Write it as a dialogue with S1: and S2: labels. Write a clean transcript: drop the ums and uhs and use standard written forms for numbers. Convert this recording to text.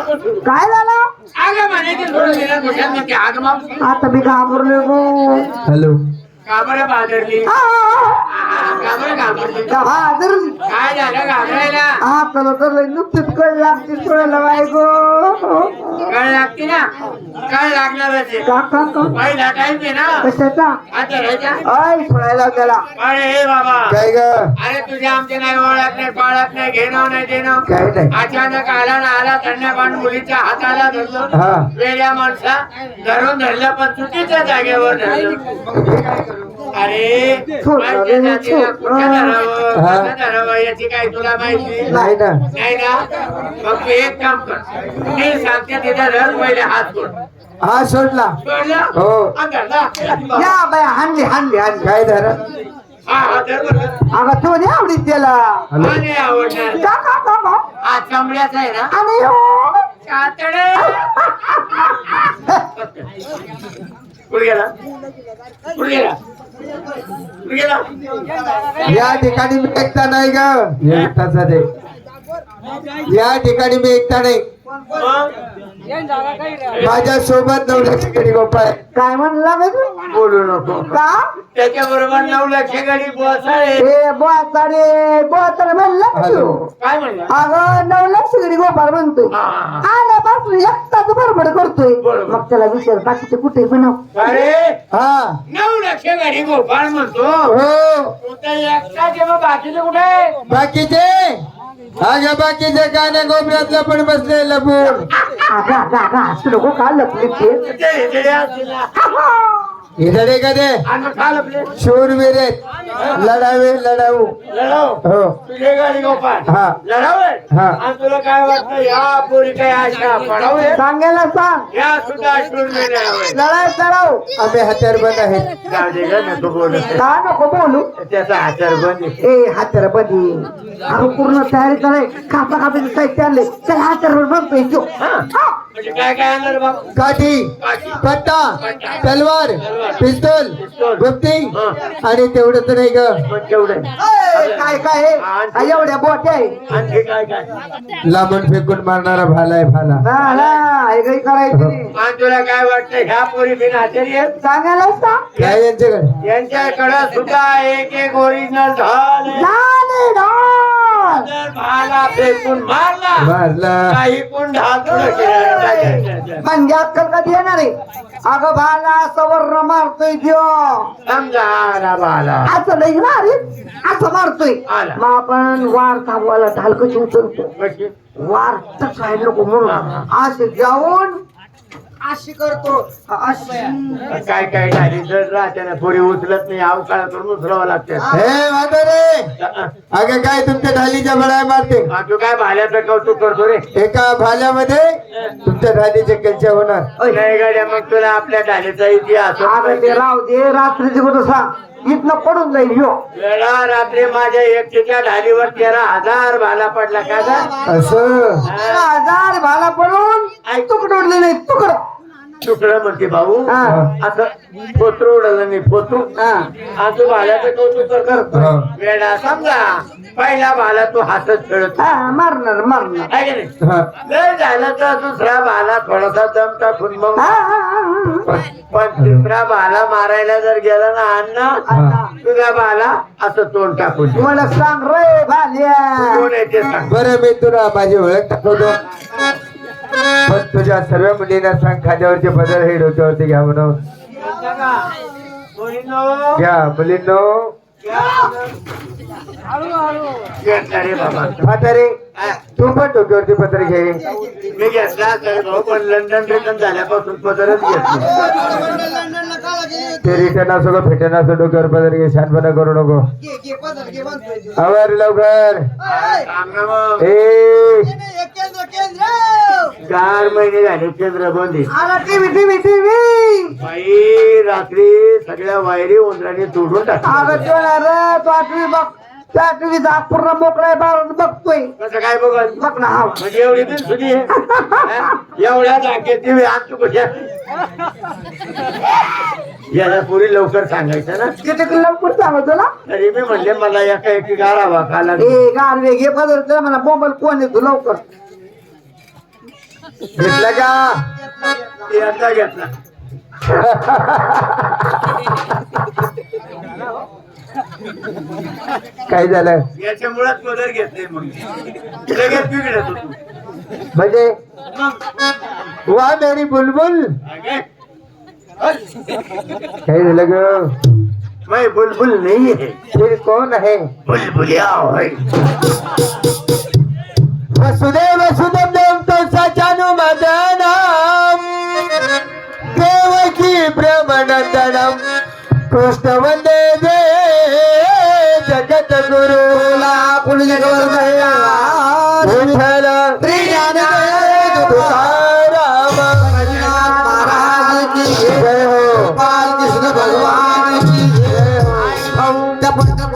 S1: काय झालं
S2: अगं म्हणायची थोडं दिलं कुठ्यात नक्की आग मावशी
S1: आता मी घाबरलो गो.
S3: हॅलो
S2: का बरं बाजारली
S1: आ,
S2: का बरं घाबरली
S1: घाबरली.
S2: काय झालं घाबरायला
S1: आपल्याला तर लय नुकतीच कळ लागते सोडायला बाय गो.
S2: कळ लागते ना कळ लागणारच आहे.
S1: का का का
S2: पहिला टाइम आहे ना
S1: कशाचा
S2: आता राहायचा
S1: ऐ सोडायला त्याला
S2: अरे हे बाबा
S3: काय ग
S2: अरे तुझ्या आमचे नाही ओळख नाही पाळत नाही घेणं नाही देणं
S3: काय नाही
S2: अचानक आला ना आला कन्यापान मुलीच्या हाताला धरलं
S3: हा
S2: वेड्या माणसा धरून धरलं पण चुकीच्या जागेवर धरलं अरे माझ्या जातीला कुठं धरावं
S3: हा.
S2: कसं धरावं याची काही तुला माहिती
S3: नाही ना
S2: नाही ना मग तू एक काम कर मी सांगते तिथं धर पहिले हात सोड
S3: हा सोडला
S2: सोडलं
S3: हो
S2: हा, धरला.
S1: या बाय हाणली हाणली हाणली.
S3: काय धर
S2: हा हा धर बरं.
S1: अगं तू नाही आवडीत त्याला.
S2: हा, नाही आवडणार
S1: का का का का
S2: हा चमड्याचा आहे ना
S1: आणि हो.
S2: कातडे कुठे गेला कुठे गेला कुठे गेला
S3: या ठिकाणी मी एकटा नाही ग एकटाच आहे. या ठिकाणी मी एकटा नाही
S2: मग?
S3: माझ्या सोबत 9 लाख गडी गोपाळ
S1: काय म्हणला बे तू?
S2: बोलू नको
S1: का
S2: त्याच्या बरोबर 9 लाख गाडी बसाळे
S1: ए बोताडे म्हणला का तू?
S2: काय म्हणला
S1: अगं 9 लाख सगळी गोपाळ म्हणतोय
S2: हा, हा, हा.
S1: आल्यापासून एकटाच बडबड करतोय
S2: बरोबर.
S1: मग त्याला विचार बाकीचे कुठे बनव
S2: अरे
S3: हा
S2: 9 लाख गाडी गोपाळ म्हणतो
S3: हो
S2: तू तर एकटा जेव्हा बाकीचे कुठे
S3: बाकीचे अगं बाकीचे गाण्या गोबऱ्यातलं पण बसले लपून
S1: अगं असं नको का लपले ते
S3: इधडे कधे शूरवीर लढावे लढाऊ
S2: लढाव
S3: हो
S2: तुझे गाडी गोपाळ
S3: हा.
S2: लढाव
S3: हा.
S2: आणि तुला काय वाटतं या पोरी काय आशा पडावे
S1: सांगायला सांग
S2: या सुद्धा शूरवीर लढावे
S1: लढाई कराव
S3: आम्ही हत्यार बंद आहेत
S2: जाऊ दे ग नको बोलत
S1: का नको बोलू
S2: त्याचा आचार बंद आहे.
S1: ए हातर बदी अगं पूर्ण तयारी कराय कापा कापायचं साहित्य आणले चल हातर बघतोय तो
S2: म्हणजे काय काय आणलं रे बाबा
S3: काठी पट्टा तलवार पिस्तूल गुप्ती आणि तेवढंच नाही ग
S2: पण केवढे
S1: काय काय आहे? काय एवढ्या बोट आहे
S2: आणखी काय काय
S3: लांबून फेकून मारणारा भाला आहे भाला
S1: हा, ना, हे काही करायचं नाही.
S2: आणि तुला काय वाटतं ह्या पोरी बिन आचारी आहेत
S1: सांगायला सांग
S3: काय यांच्याकडे
S2: यांच्याकडे सुद्धा एक एक ओरिजिनल ढाल आहे.
S1: झाले ढाल.
S2: जर भाला फेकून मारला
S3: मारला
S2: काही कोण ढाल थोडं केलं.
S1: म्हणजे अक्कल कधी येणार आहे अगं भाला सवर्ण मारतोय त्यो
S2: समजा आला भाला
S1: असं नाही ना रे असं मारतोय
S2: आला.
S1: मग आपण वार थांबवायला ढाल कशी उचलतो
S2: कशी?
S1: वार तसाय नको म्हणून असे जाऊन अशी करतो अशी
S2: काय काय झाली जर राहत्यानं पोरी उचलत नाही अवकाळ करून उचलावं लागतं
S3: हे म्हातारे अगं काय तुमच्या ढालीच्या बळाय मारते
S2: तू काय भाल्याचं कौतुक करतो रे
S3: एका भाल्यामध्ये तुमच्या ढालीचे कलच्या होणार
S2: नाही गाड्या मग तुला आपल्या ढालीचा इतिहास
S1: अगं ते राव दे रात्रीची कुठं सांग इथनं पडून जाईल ह्यो
S2: वेळा रात्री माझ्या एकटीच्या ढालीवर 13,000 भाला पडला का ग?
S3: असं
S1: 13,000 भाला पडून तुकडं उडले नाही तुकडं
S2: तुकडं म्हणते भाऊ
S1: हा.
S2: असं पोत्र उडलं नाही पोतू आणि तू भाल्याचं कौतुक करतो
S3: हा.
S2: वेळा समजा पहिला भाला तू हातच खेळत
S1: हा, मारणार
S2: आहे की नाही
S3: हा.
S2: जर झालं तर दुसरा भाला थोडासा दम टाकून मग
S1: हा, हा, हा,
S2: पण तिसरा भाला मारायला जर गेला ना अण्णा
S3: हा.
S2: तुझा भाला असं तोंड टाकून दे.
S1: मला सांग रे भाल्या
S2: कोण आहे ते सांग
S3: बरं मी तुला माझी ओळख दाखवतो पण तुझ्या सर्व मुलींना सांग खाद्यावरचे पदर हे डोक्यावरती घ्या म्हणून
S2: मुलींनो,
S3: घ्या मुलींनो
S2: घेतला रे बाबा
S3: म्हातारे तू पण डोक्यावरती पदर घे
S2: मी घेतला तर भाऊ पण लंडन रिटर्न झाल्यापासून पदरच घेतली
S3: ते रिटर्न असो का फेटन असो डोक्यावर पदर घे शानपणा करू नको आवर लवकर
S2: सांग ना मग
S3: ए
S2: 4 महिने झाले चंद्रबंदी
S1: टीव्ही
S2: बाई रात्री सगळ्या वायरी उंदराने तोडून टाकल्या
S1: अगं तो ना रे तो आठवी बघ त्या टीव्हीचा पूर्ण मोकळा बाहेर बघतोय
S2: कसं काय बघत
S1: बघ ना हा
S2: म्हणजे एवढी बिन सुधी आहे हा? एवढ्या जागेत ती आणतो कशा याला पुरी लवकर सांगायचं ना
S1: किती लवकर सांगतो ना
S2: तरी मी म्हणले मला एका एकी गारावा खाला
S1: ए गारवे घे पदर मला मोबाईल कोण येतो लवकर
S3: घेतला का
S2: ते आता घेतला.
S3: काय झालं
S2: याच्यामुळेच पदर घेतले मग लगेच बिघडत होतो.
S3: म्हणजे वा मेरी बुलबुल
S2: अगे,
S3: काय झालं ग
S2: मैं बुलबुल नहीं है,
S3: फिर कौन है
S2: बुलबुलिया है.
S3: वसुदेव सुदेव कंसाचानु मदनम देवकी ब्रह्मनंदनम कृष्ण वंदे जे जगत गुरुला विठ्ठल तुकाराम
S1: महाराज की
S3: जय हो
S1: कृष्ण भगवान की
S3: जय हो
S1: जय हो.